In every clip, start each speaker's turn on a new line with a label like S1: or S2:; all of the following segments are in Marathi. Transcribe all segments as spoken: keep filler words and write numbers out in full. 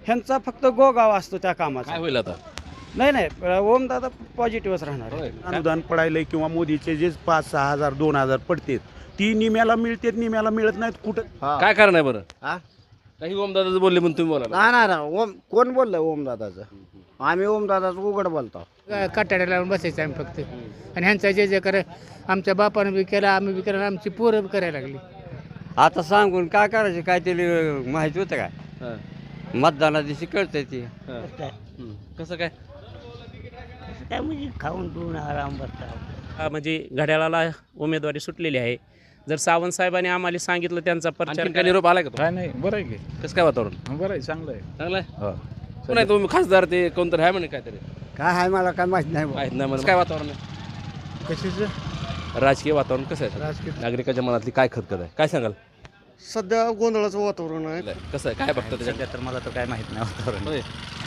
S1: ह्यांचा फक्त गोगाव असतो त्या कामाचा.
S2: काय होईल आता?
S1: नाही नाही ओमदादा पॉझिटिव्हच राहणार आहे.
S3: अनुदान पडायलंय किंवा मोदीचे जे पाच सहा हजार दोन हजार पडतेत ती निम्याला मिळतेत निम्याला मिळत नाहीत कुठं.
S2: काय कारण आहे बरं?
S4: हा?
S2: काही ओमदादाचं बोलले म्हणून तुम्ही बोला.
S4: नाही नाही नाही. ओम कोण बोललं ओमदादाचं? आम्ही ओमदादाचं उघड बोलतो.
S5: कटाड्या लावून बसायचं आम्ही फक्त. आणि ह्यांचा जे जे कर आमच्या बापानं बी केला, आम्ही बी केला, आमची पोरं बी करायला लागली.
S6: आता सांगून काय करायचं? काय तरी माहिती होतं काय?
S2: हां.
S6: मतदाना दिवशी कळतंय ती.
S2: हां. हं. कसं काय?
S7: काय म्हणजे खाऊन पिऊन आराम बसता.
S8: हा, म्हणजे घड्याळाला उमेदवारी सुटलेली आहे. जर सावंत साहेबांनी आम्हाला सांगितलं त्यांचा प्रचार
S2: आणखीन काय निरोप आलाय का?
S9: काय नाही बरं आहे की
S2: कसं काय वातावरण?
S9: बरं आहे चांगलं आहे.
S2: चांगलं आहे. कोण आहे तुम्ही खासदार? ते कोणतरी आहे म्हणे काहीतरी.
S4: काय आहे मला काय माहिती नाही.
S2: माहित नाही मला. काय वातावरण आहे?
S5: कशाचं
S2: राजकीय वातावरण कसं आहे?
S5: राजकीय
S2: नागरिकाच्या मनातली काय खतखत आहे? काय सांगाल?
S1: सध्या गोंधळाचं वातावरण आहे.
S2: कसं आहे? काय बघतं त्याच्यात?
S6: तर मला तर काय माहित नाही वातावरण.
S2: होय.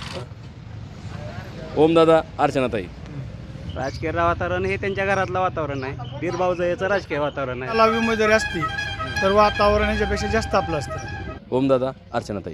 S2: ओमदादा, अर्चनाताई.
S6: राजकीय वातावरण हे त्यांच्या घरातलं वातावरण आहे. बीरभाऊचं याचं राजकीय वातावरण आहे.
S5: लावी उमेदवारी असती तर वातावरण याच्यापेक्षा जास्त आपलं असतं.
S2: ओमदादा, अर्चनाताई.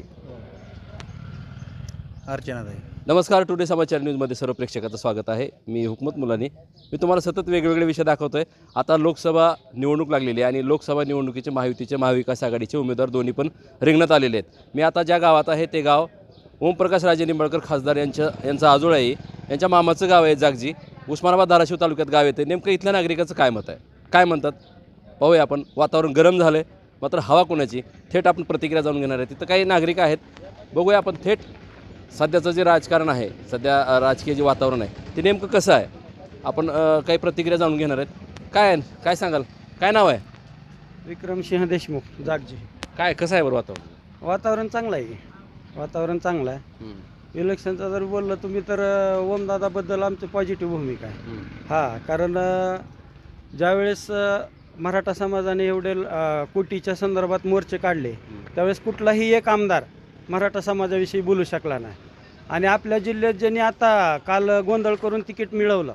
S6: अर्चनाताई.
S2: नमस्कार. टुडे समाचार न्यूजमध्ये सर्व प्रेक्षकाचं स्वागत आहे. मी हुकमत मुलानी. मी तुम्हाला सतत वेगवेगळे विषय दाखवतो आहे. आता लोकसभा निवडणूक लागलेली आहे आणि लोकसभा निवडणुकीचे महायुतीचे महाविकास आघाडीचे उमेदवार दोन्ही पण रिंगणात आलेले आहेत. मी आता ज्या गावात आहे ते गाव ओमप्रकाश राजे निंबाळकर खासदार यांच्या यांचा आजोळ आहे. यांच्या मामाचं गाव आहे जागजी. उस्मानाबाद धाराशिव तालुक्यात गाव येते. नेमकं इथल्या नागरिकाचं काय मत आहे, काय म्हणतात पाहूया आपण. वातावरण गरम झालं आहे, मात्र हवा कोणाची थेट आपण प्रतिक्रिया जाणून घेणार आहे. तिथं काही नागरिक आहेत, बघूया आपण थेट सध्याचं जे राजकारण आहे, सध्या राजकीय जे वातावरण आहे ते नेमकं कसं आहे. आपण काही प्रतिक्रिया जाणून घेणार आहेत. काय काय सांगाल? काय नाव आहे?
S1: विक्रमसिंह देशमुख जागजी.
S2: काय कसं आहे बरं वातावरण?
S1: वातावरण चांगलं आहे. वातावरण चांगलं आहे. इलेक्शनचं जर बोललं तुम्ही तर ओमदादाबद्दल आमची पॉझिटिव्ह भूमिका आहे. हां, कारण ज्यावेळेस मराठा समाजाने एवढे कोटीच्या संदर्भात मोर्चे काढले त्यावेळेस कुठलाही एक आमदार मराठा समाजाविषयी बोलू शकला नाही. आणि आपल्या जिल्ह्यात ज्यांनी आता काल गोंधळ करून तिकीट मिळवलं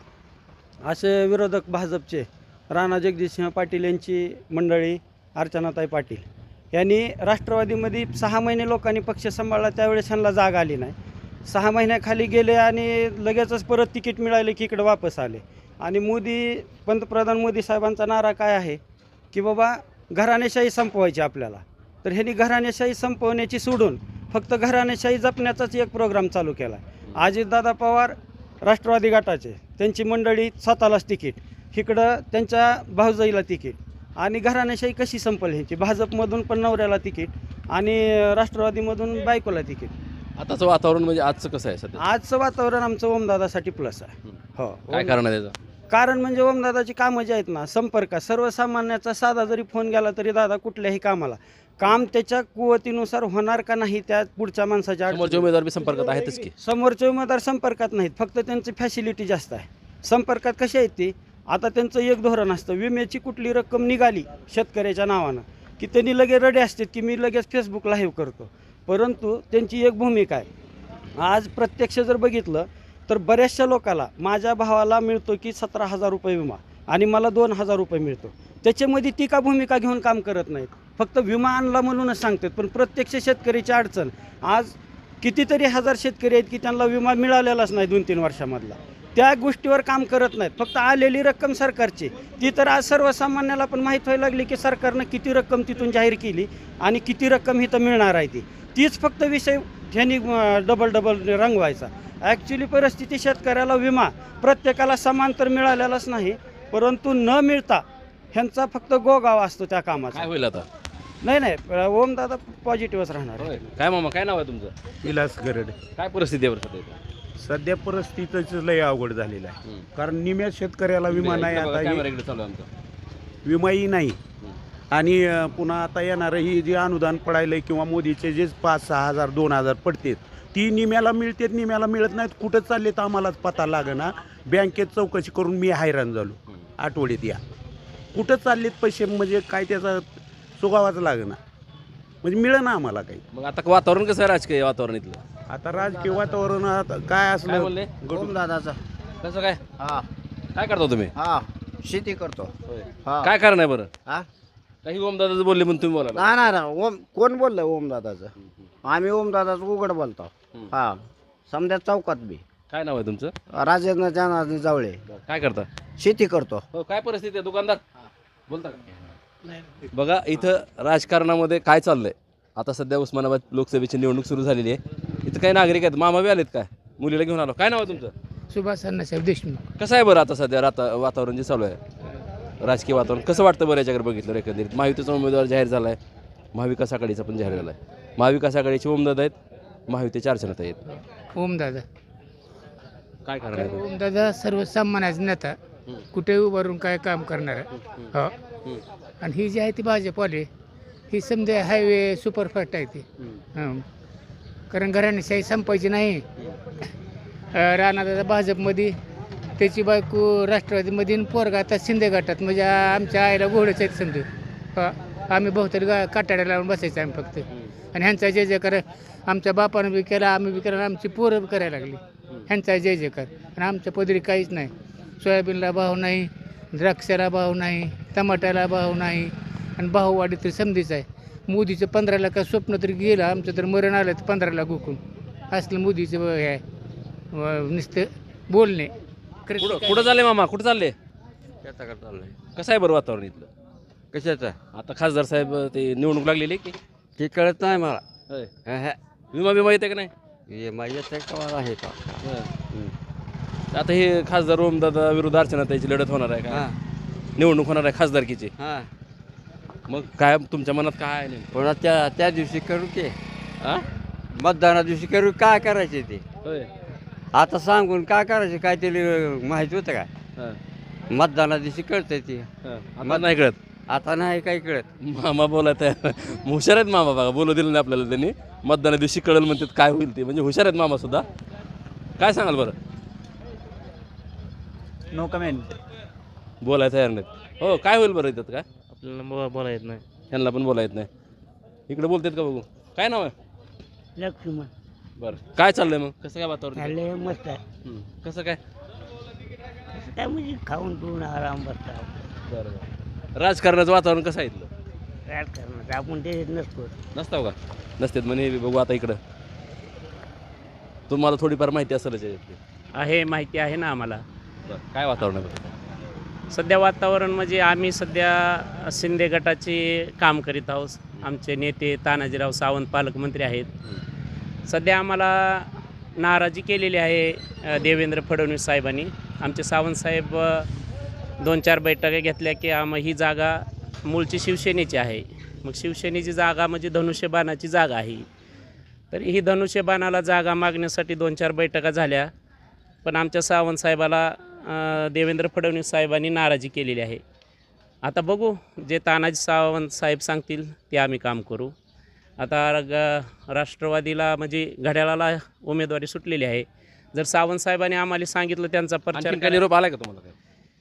S1: असे विरोधक भाजपचे राणा जगजितसिंह पाटील यांची मंडळी, अर्चनाताई पाटील यांनी राष्ट्रवादीमध्ये सहा महिने लोकांनी पक्ष सांभाळला, त्यावेळेस ह्यांना जाग आली नाही. सहा महिन्याखाली गेले आणि लगेचच परत तिकीट मिळाले की इकडं वापस आले. आणि मोदी पंतप्रधान मोदी साहेबांचा नारा काय आहे की बाबा घराणेशाही संपवायची आपल्याला. तर ह्यांनी घराणेशाही संपवण्याची सोडून फक्त घराणेशाही जपण्याचाच एक प्रोग्राम चालू केला. अजितदादा पवार राष्ट्रवादी गटाचे, त्यांची मंडळी स्वतःलाच तिकीट, इकडं त्यांच्या भाऊजाईला तिकीट. आणि घराणेशाही कशी संपल ह्यांची? भाजपमधून पण नवऱ्याला तिकीट आणि राष्ट्रवादीमधून बायकोला तिकीट.
S2: आताचं वातावरण म्हणजे आजचं कसं आहे सध्या?
S1: आजचं वातावरण आमचं ओमदादासाठी प्लस आहे. हो.
S2: काय कारण आहे त्याचं?
S1: कारण म्हणजे ओमदादाची कामं जी आहेत ना, संपर्क सर्वसामान्याचा साधा जरी फोन गेला तरी दादा कुठल्याही कामाला काम त्याच्या कुवतीनुसार होणार का नाही त्या पुढच्या माणसाच्या
S2: समोरचे उमेदवार बी संपर्कात आहेतच की.
S1: समोरचे उमेदवार संपर्कात नाहीत, फक्त त्यांची फॅसिलिटी जास्त आहे. संपर्कात कशी आहेत ती? आता त्यांचं एक धोरण असतं, विम्याची कुठली रक्कम निघाली शेतकऱ्याच्या नावानं की त्यांनी लगेच रडे असतात की मी लगेच फेसबुक लाईव्ह करतो. परंतु त्यांची एक भूमिका आहे. आज प्रत्यक्ष जर बघितलं तर बऱ्याचशा लोकाला, माझ्या भावाला मिळतो की सतरा हजार रुपये विमा आणि मला दोन हजार रुपये मिळतो. त्याच्यामध्ये ती का भूमिका घेऊन काम करत नाहीत, फक्त विमा आणला म्हणूनच सांगतात. पण प्रत्यक्ष शेतकरीची अडचण, आज कितीतरी हजार शेतकरी आहेत की त्यांना विमा मिळालेलाच नाही दोन तीन वर्षामधला. त्या गोष्टीवर काम करत नाहीत. फक्त आलेली रक्कम सरकारची ती तर आज सर्वसामान्याला पण माहीत व्हायला लागली की सरकारनं किती रक्कम तिथून जाहीर केली आणि किती रक्कम ही तर मिळणार आहे. ती तीच फक्त विषय ह्यांनी डबल डबल रंगवायचा. ॲक्च्युली परिस्थिती शेतकऱ्याला विमा प्रत्येकाला समान तर मिळालेलाच नाही, परंतु न मिळता ह्यांचा फक्त गोगाव असतो त्या कामाचा.
S2: काय होईल आता?
S1: नाही नाही ओमदादा पॉझिटिव्हच राहणार आहे.
S2: काय मामा, काय नाव आहे तुमचं?
S3: विलास गरड.
S2: काय परिस्थिती आहे बरं सध्या?
S3: सध्या परिस्थितीच लय अवघड झालेलं आहे. कारण निम्या शेतकऱ्याला विमा नाही, आता
S2: कॅमेरा
S3: हे
S2: इकडे चालू आहे आमचा.
S3: विमाही नाही. आणि अं, पुन्हा आता येणारं ही जे अनुदान पडायलंय किंवा मोदीचे जे पाच सहा हजार दोन हजार पडतेत ती निम्याला मिळतेत निम्याला मिळत नाहीत. कुठं चालले तर आम्हालाच पता लागना. बँकेत चौकशी करून मी हैराण झालो. आठवड्यात या कुठं चाललेत पैसे, म्हणजे काय त्याचा सुगावाच लागना, म्हणजे मिळेना आम्हाला काही.
S2: मग आता वातावरण कसं आहे राजकीय वातावरण इथलं?
S3: आता राजकीय वातावरण आता काय असलं
S2: बोलले?
S4: ओमदादाचं.
S2: कसं काय?
S4: हा
S2: काय करता तुम्ही?
S4: हा शेती करतो. हा.
S2: काय कारण आहे बरं?
S4: हा?
S2: काही ओमदादाचं बोलले म्हणून तुम्ही बोला.
S4: नाही नाही नाही. ओम कोण बोललं ओमदादाचं? आम्ही ओमदादाचं उघड बोलतो.
S2: हं.
S4: हा समजा चौकात बी
S2: काय नाव आहे तुमचं?
S4: राजेंद्र जनार्दन जावळे.
S2: काय करता?
S4: शेती करतो.
S2: हो, काय परिस्थिती आहे दुकानदार? बोलता का? बघा इथं राजकारणामध्ये काय चाललंय. आता सध्या उस्मानाबाद लोकसभेची निवडणूक सुरू झालेली आहे. इथं काही नागरिक आहेत. मामा बी आलेत काय? मुलीला घेऊन आलो. काय नाव आहे तुमचं?
S5: सुभाष अण्णासाहेब देशमुख.
S2: कसं आहे बरं आता सध्या राता वातावरण जे चालू आहे राजकीय वातावरण कसं वाटतं बरं याच्याकडे बघितलं एकंदरीत? महायुतीचा उमेदवार जाहीर झाला आहे. महाविकास आघाडीचा पण जाहीर झाला आहे. महाविकास आघाडीचे ओमदादा आहेत. महायुतीचे अर्चनाताई आहेत.
S5: ओमदादा
S2: काय कारण आहे?
S5: ओमदादा सर्वसामान्याचा नेता, कुठे उभारून काय काम करणार हो. आणि ही जी आहे ती भाजपवाले, ही समजा हायवे सुपरफास्ट आहे ती. हं. कारण घराणेशाही संपायची नाही. राणादादा भाजपमध्ये, त्याची बायको राष्ट्रवादीमध्ये, आणि पोरगा आता शिंदे गटात. म्हणजे आमच्या आईला घोडच आहेत समजा. हा आम्ही बहुतरी गा काटाड्या लावून बसायचं आम्ही फक्त. आणि ह्यांचा जय जयकार आमच्या बापानं बी केला, आम्ही बी केला, आमची पोरं बी करायला लागली. ह्यांचा जय जयकार. आणि आमच्या पदरी काहीच नाही. सोयाबीनला भाव नाही, द्राक्षाला भाव नाही, टमाट्याला भाव नाही. आणि भाववाढी तर समधीच आहे. मोदीचं पंधरा लाख स्वप्न तरी गेलं, आमचं तर मरण आलं तर पंधरा लाख हुकून. असलं मोदीचं हे आहे नुसतं बोलणे.
S2: कुठं कुठं चालले मामा? कुठं चालले?
S6: त्याचा चाललंय
S2: कसं आहे बरं वातावरण इथलं?
S6: कशाचा
S2: आता खासदार साहेब ते निवडणूक लागलेली आहे की?
S6: ते कळत नाही मला.
S2: होय. विमा बिमा येते का नाही?
S6: माझ्या कमाल आहे का?
S2: आता हे खासदार ओमदादा विरुद्ध अर्चनाताईची लढत होणार आहे का? निवडणूक होणार आहे खासदारकीची.
S6: हां
S2: मग काय तुमच्या मनात काय आहे नेमकं?
S6: पुन्हा त्या त्या दिवशी करू की
S2: हा?
S6: मतदाना दिवशी करू काय करायचे ते
S2: होय.
S6: आता सांगून काय करायचे काय ते माहिती होतं का?
S2: हा.
S6: मतदाना दिवशी कळतंय ते.
S2: हा. आता नाही कळत.
S6: आता नाही काही कळत.
S2: मामा बोलायत आहे. हुशार आहेत मामा. बघा बोलू दिलं नाही आपल्याला त्यांनी. मतदाना दिवशी कळलं म्हणतात काय होईल ते. म्हणजे हुशार आहेत मामा सुद्धा. काय सांगाल बरं?
S6: No comment.
S2: बोलायला तयार नाहीत. हो काय होईल बरं इथं काय?
S8: आपल्याला बोला येत नाही.
S2: त्यांना पण बोला येत नाही. इकडे बोलतात का बघू? काय नाव आहे?
S7: लक्ष्मण
S2: बरं काय चाललंय मग? कसं काय वातावरण?
S7: चालले मस्त आहे.
S2: हं. कसं काय?
S7: काय म्हणजे खाऊन पिऊन आराम बसता.
S2: बरं. राजकारणाचं वातावरण कसं आहे इथलं?
S7: राजकारणात आपण ते नसतो.
S2: नसताव का? नसतात म्हणे. बघू आता इकडं तुम्हाला थोडीफार माहिती असेलच याच्यातली.
S8: आहे माहिती आहे ना आम्हाला.
S2: बरं काय वातावरण आहे बरं?
S8: सध्या वातावरण म्हणजे आम्ही सध्या शिंदे गटाचे काम करीत आहोत. आमचे नेते तानाजीराव सावंत पालकमंत्री आहेत. सध्या आम्हाला नाराजी केलेली आहे अ, देवेंद्र फडणवीस साहेबांनी. आमचे सावंत साहेब अ, दोन चार बैठका घेतल्या की आम ही जागा मूळची शिवसेनेची आहे. मग शिवसेनेची जागा म्हणजे धनुष्यबाणाची जागा आहे. तर ही धनुष्यबाणाला जागा मागण्यासाठी दोन चार बैठका झाल्या. पण आमच्या सावंत साहेबाला अ, देवेंद्र फडणवीस साहेबांनी नाराजी केलेली आहे. आता बघू जे तानाजी सावंत साहेब सांगतील ते आम्ही काम करू. आता ग राष्ट्रवादीला म्हणजे घड्याळाला उमेदवारी सुटलेली आहे. जर सावंत साहेबांनी आम्हाला सांगितलं त्यांचा प्रचार
S2: आणखीन काय निरोप आलाय का तुम्हाला? काय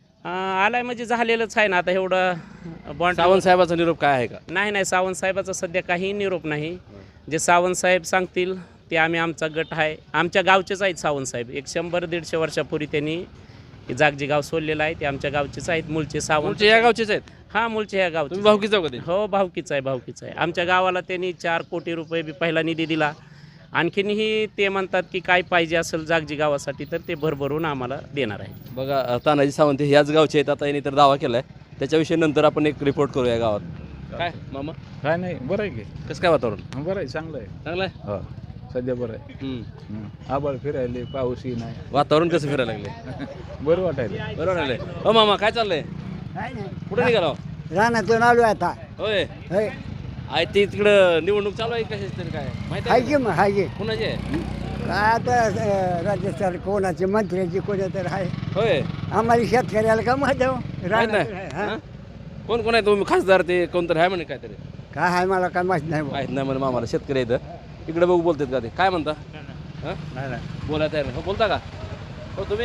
S8: अं, आलाय म्हणजे झालेलंच आहे ना. आता एवढं बॉन्ड
S2: सावंत साहेबाचा निरोप काय आहे का?
S8: नाही नाही सावंत साहेबाचा सध्या काही निरोप नाही. जे सावंत साहेब सांगतील ते आम्ही आमचा गट आहे. आमच्या गावचेच आहेत सावंत साहेब. एक शंभर दीडशे वर्षापूर्वी त्यांनी जागजी गाव सोडलेलं आहे. ते आमच्या गावचेच आहेत. मूळचे सावंत
S2: तुमचे या गावचेच आहेत?
S8: हां मूळचे ह्या गावचे.
S2: तुम्ही भाऊकीच जाऊ का ते?
S8: हो भावकीच आहे भावकीच आहे. आमच्या गावाला त्यांनी चार कोटी रुपये बी पहिला निधी दिला. आणखीनही ते म्हणतात की काय पाहिजे असेल जागजी गावासाठी तर ते भरभरून आम्हाला देणार आहे.
S2: बघा तानाजी सावंत हे याच गावचे आहेत. आता यांनी तर दावा केला आहे. त्याच्याविषयी नंतर आपण एक रिपोर्ट करूया गावात. काय मामा
S9: काय नाही बरं आहे की
S2: कसं काय वातावरण?
S9: बरं आहे चांगलं आहे.
S2: चांगलं आहे.
S9: हो सध्या बरं आहे.
S2: हं.
S9: आबाळ फिरायले पाऊसही नाही.
S2: वातावरण कसं फिरायला लागले?
S9: बरं वाटायला.
S2: बरं लागले. हो मामा काय चाललंय?
S7: काय नाही
S2: कुठे निघाला?
S4: रानातून आलो आता.
S2: होय.
S4: होय
S2: आहे ते तिकडं निवडणूक चालू आहे कशाच तरी काय माहिती
S4: हाय
S2: आहे
S4: की मग हाय की
S2: का? कुणाची आहे?
S4: काय आता अं, राज्य सर कोणाचे मंत्र्याची कोणा तर आहे.
S2: होय
S4: आम्हाला शेतकऱ्याला का माहिती हो?
S2: माहित
S4: रानात
S2: नाही.
S4: आहे, हा.
S2: हां? कोण कोण आहे तुम्ही खासदार ते कोणतरी आहे म्हणे काहीतरी?
S4: काय आहे मला काय माहित नाही बुवा.
S2: माहीत नाही म्हणे मामाला. शेतकरी आहेत इकडे बघू बोलतात का ते? काय म्हणता? हां बोलायला तयार नाही. हो बोलता का? हो तुम्ही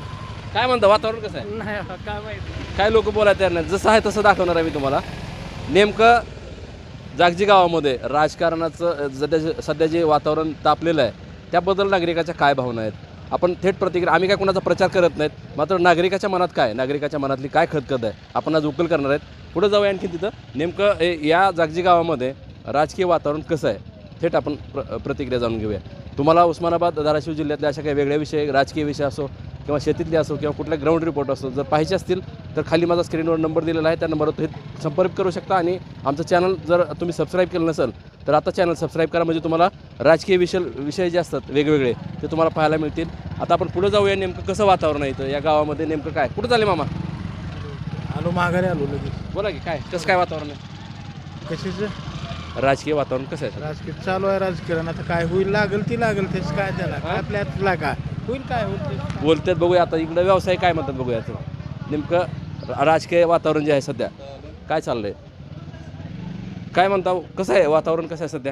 S2: काय म्हणता? वातावरण कसं आहे? काय लोक बोलायला तयार नाही. जसं आहे तसं दाखवणार आहे मी तुम्हाला. नेमकं जागजी गावामध्ये राजकारणाचं सध्या सध्या जे वातावरण तापलेलं आहे त्याबद्दल नागरिकाच्या काय भावना आहेत आपण थेट प्रतिक्रिया. आम्ही काय कोणाचा प्रचार करत नाहीत. मात्र नागरिकाच्या मनात काय नागरिकाच्या मनातली काय खदखद आहे आपण आज उकल करणार आहेत. पुढे जाऊया आणखी तिथं नेमकं या जागजी गावामध्ये राजकीय वातावरण कसं आहे थेट आपण प्र प्रतिक्रिया जाणून घेऊया. तुम्हाला उस्मानाबाद धाराशिव जिल्ह्यातल्या अशा काही वेगळ्या विषय, राजकीय विषय असो किंवा शेतीतले असो किंवा कुठल्या ग्राउंड रिपोर्ट असो जर पाहिजे असतील तर खाली माझा स्क्रीनवर नंबर दिलेला आहे, त्या नंबरवर तुम्ही संपर्क करू शकता. आणि आमचं चॅनल जर तुम्ही सबस्क्राईब केलं नसेल तर आता चॅनल सबस्क्राईब करा, म्हणजे तुम्हाला राजकीय विषय विषय जे असतात वेगवेगळे ते तुम्हाला पाहायला मिळतील. आता आपण पुढे जाऊया. नेमकं कसं वातावरण आहे इथं या गावामध्ये, नेमकं काय कुठं झाले मामा?
S9: आलो माघारी आलो लगेच.
S2: बोला की काय कसं काय वातावरण आहे,
S9: कशीच
S2: राजकीय वातावरण कसं आहे?
S9: राजकीय चालू आहे राजकारण. आता काय होईल, लागेल ती लागेल तेच काय त्याला काय आपल्याला काय होईल काय होईल ते.
S2: बोलतात बघूया. आता इकडं व्यवसाय काय म्हणतात बघूया. आता नेमकं राजकीय वातावरण जे आहे सध्या काय चाललंय, काय म्हणता, कसं आहे वातावरण, कसं आहे सध्या?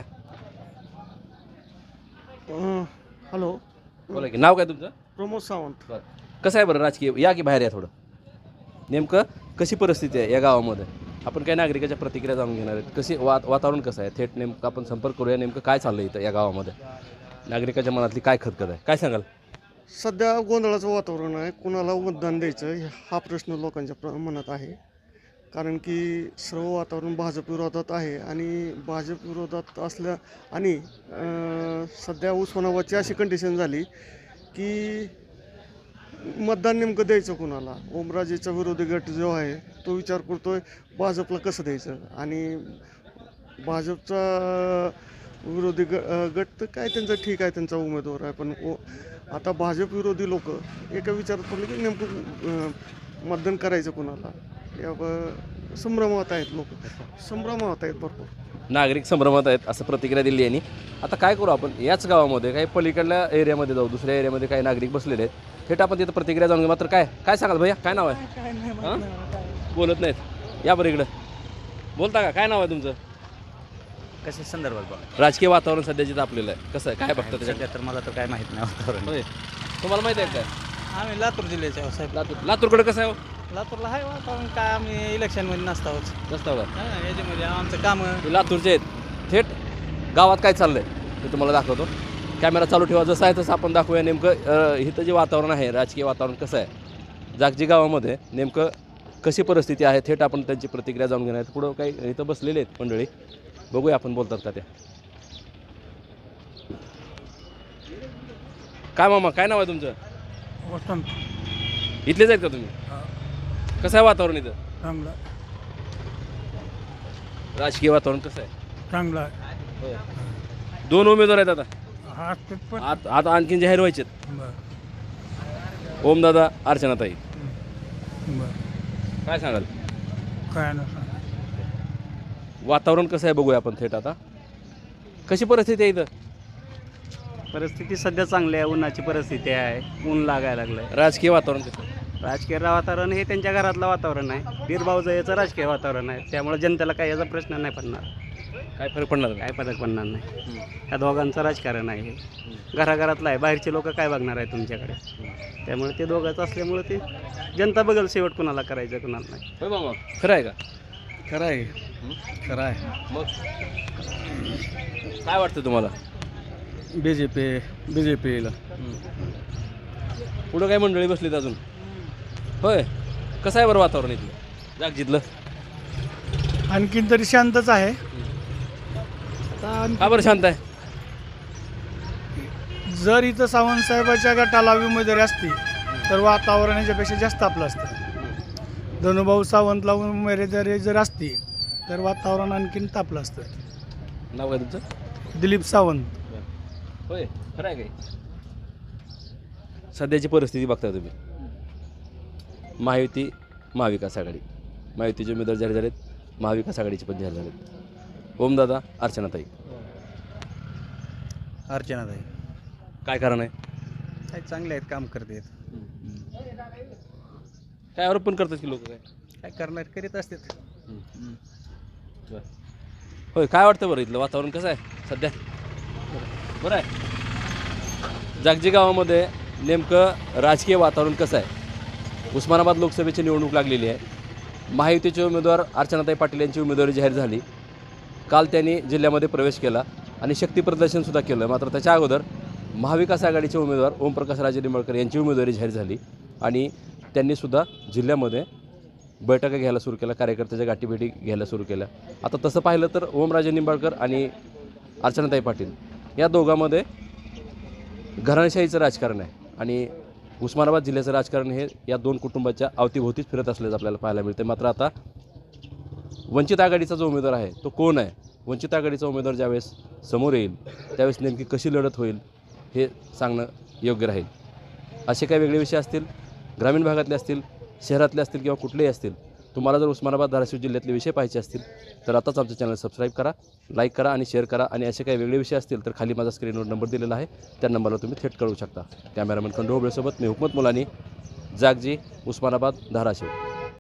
S1: हॅलो,
S2: बोला की. नाव काय तुमचं?
S1: प्रमोद सावंत.
S2: बरं, कसं आहे बरं राजकीय, या की बाहेर या थोडं. नेमकं कशी परिस्थिती आहे या गावामध्ये, आपण काही नागरिकाच्या प्रतिक्रिया जाणून घेणार आहेत. कशी वा वातावरण कसं आहे, थेट नेमकं आपण संपर्क करूया. नेमकं काय चाललं इथं या गावामध्ये, नागरिकाच्या मनातली काय खतखत आहे, काय सांगाल?
S10: सध्या गोंधळाचं वातावरण आहे. कुणाला मतदान द्यायचं हा प्रश्न लोकांच्या प्र मनात आहे. कारण की सर्व वातावरण भाजप विरोधात आहे आणि भाजप विरोधात असल्या आणि अं, सध्या उस्मानाबादची अशी कंडिशन झाली की मतदान नेमकं द्यायचं कुणाला. ओमराजेचा विरोधी गट जो आहे तो विचार करतोय भाजपला कसं द्यायचं, आणि भाजपचा विरोधी ग गट तर काय त्यांचं ठीक आहे, त्यांचा उमेदवार आहे, पण ओ आता भाजप विरोधी लोक एका विचारात पडले की नेमकं मतदान करायचं कुणाला, या ब- संभ्रमात आहेत लोक, संभ्रमात आहेत भरपूर.
S2: नागरिक संभ्रमात आहेत असं प्रतिक्रिया दिली यांनी. आता काय करू आपण, याच गावामध्ये काही पलीकडल्या एरियामध्ये जाऊ, दुसऱ्या एरियामध्ये काही नागरिक बसलेले आहेत, थेट आपण तिथं प्रतिक्रिया जाणून घेऊ. मात्र काय काय सांगाल भैया, काय नाव आहे? हां, बोलत नाहीत, या बरं इकडं बोलता का, काय नाव आहे तुमचं?
S6: कशा संदर्भात बघा
S2: राजकीय वातावरण सध्या जिथं आपलेलं आहे कसं आहे, काय बघता त्याच्यात?
S6: सध्या तर मला तर काय माहीत नाही वातावरण.
S2: होय, तुम्हाला माहिती आहे काय?
S1: आम्ही लातूर जिल्ह्याचे आहोत साहेब.
S2: लातूर, लातूरकडे कसं आहे हो?
S1: लातूरला आहे वातावरण काय, आम्ही इलेक्शनमध्ये नसतो आहोत.
S2: रस्त्यावर
S1: याच्यामध्ये आमचं काम
S2: हे लातूरचे आहेत. थेट गावात काय चाललंय ते तुम्हाला दाखवतो. कॅमेरा चालू ठेवा, जसं आहे तसं आपण दाखवूया. नेमकं अं, इथं जे वातावरण आहे, राजकीय वातावरण कसं आहे जागजी गावामध्ये, नेमकं कशी परिस्थिती आहे, थेट आपण त्यांची प्रतिक्रिया जाणून घेणार आहेत. पुढं काही इथं बसलेले आहेत मंडळी, बघूया आपण बोलतात का त्या. काय मामा, काय नाव आहे तुमचं?
S9: वसंत.
S2: इथलेच आहेत का तुम्ही? कसं आहे वातावरण इथं,
S9: चांगला
S2: राजकीय वातावरण कसं आहे?
S9: चांगला आहे.
S2: दोन उमेदवार आहेत आता,
S9: हा पण
S2: आत- आता आणखीन जाहीर व्हायचेत. ओमदादा, अर्चनाताई, काय सांगाल?
S9: काय नसतं.
S2: वातावरण कसं आहे बघूया आपण थेट आता. कशी परिस्थिती आहे इथं?
S6: परिस्थिती सध्या चांगली आहे. उन्हाची परिस्थिती आहे, ऊन लागायला लागलं आहे.
S2: राजकीय वातावरण कसं?
S6: राजकीय वातावरण हे त्यांच्या घरातलं वातावरण आहे. बीरभाऊजाचं राजकीय वातावरण आहे. त्यामुळे जनतेला काही याचा प्रश्न नाही पडणार,
S2: काय फरक पडणार नाही?
S6: काय फरक पडणार नाही. ह्या दोघांचं राजकारण आहे हे, घराघरातलं आहे. बाहेरचे लोक काय बघणार आहे तुमच्याकडे, त्यामुळे ते दोघांचं असल्यामुळे ते जनता बघेल शेवट कुणाला करायचं कुणाला नाही.
S2: होय मामा, खरं आहे का?
S1: खरं आहे, खरं आहे.
S2: मग काय वाटतं तुम्हाला?
S1: B J P B J पीला
S2: पुढं काय मंडळी बसलीत अजून? होय, कसं आहे बरं वातावरण इथलं जागजीतलं?
S9: आणखीन तरी शांतच आहे.
S2: का बरं शांत आहे?
S9: जर इथं सावंत साहेबाच्या गटाला उमेदवारी असती तर वातावरण याच्यापेक्षा जास्त आपलं असतं. धनुभाऊ सावंतला उमेदवारी जर असती तर वातावरण आणखीन तापलं असतं.
S2: नाव काय तुमचं?
S9: दिलीप सावंत.
S2: होय, खरं आहे काय? सध्याची परिस्थिती बघता तुम्ही, महायुती, महाविकास आघाडी, महायुतीचे उमेदवार जाहीर झालेत, महाविकास आघाडीचे पण जाहीर झालेत. ओमदादा, अर्चनाताई.
S1: अर्चनाताई
S2: काय कारण आहे?
S1: काय चांगले आहेत, काम करतात.
S2: काय आरोप पण करतात की लोक काय
S1: काय करणार, करीत असतात.
S2: होय, काय वाटतं बरं इथलं वातावरण कसं आहे सध्या? बरं आहे. जागजी गावामध्ये नेमकं राजकीय वातावरण कसं आहे? उस्मानाबाद लोकसभेची निवडणूक लागलेली आहे. महायुतीचे उमेदवार अर्चनाताई पाटील यांची उमेदवारी जाहीर झाली. काल त्यांनी जिल्ह्यामध्ये प्रवेश केला आणि शक्ती प्रदर्शनसुद्धा केलं. मात्र त्याच्या अगोदर महाविकास आघाडीचे उमेदवार ओमप्रकाशराजे निंबाळकर यांची उमेदवारी जाहीर झाली आणि त्यांनीसुद्धा जिल्ह्यामध्ये बैठका घ्यायला सुरू केल्या, कार्यकर्त्याच्या गाठीभेटी घ्यायला सुरू केल्या. आता तसं पाहिलं तर ओमराजे निंबाळकर आणि अर्चनाताई पाटील या दोघांमध्ये घराणेशाहीचं राजकारण आहे आणि उस्मानाबाद जिल्ह्याचं राजकारण हे या दोन कुटुंबाच्या अवतीभोवतीच फिरत असल्याचं आपल्याला पाहायला मिळते. मात्र आता वंचित आघाडीचा जो उमेदवार आहे तो कोण आहे, वंचित आघाडीचा उमेदवार ज्यावेळेस समोर येईल त्यावेळेस नेमकी कशी लढत होईल हे सांगणं योग्य राहील. असे काही वेगळे विषय असतील, ग्रामीण भागातले असतील, शहरातले असतील किंवा कुठलेही असतील, तुम्हाला जर उस्मानाबाद धाराशिव जिल्ह्यातले विषय पाहायचे असतील तर आताच आमचं चॅनल सबस्क्राईब करा, लाईक करा आणि शेअर करा. आणि असे काही वेगळे विषय असतील तर खाली माझा स्क्रीनवर नंबर दिलेला आहे, त्या नंबरला तुम्ही थेट कळवू शकता. कॅमेरामन खंडू होबळेसोबत मी हुकमत मुलानी, जागजी, उस्मानाबाद, धाराशिव.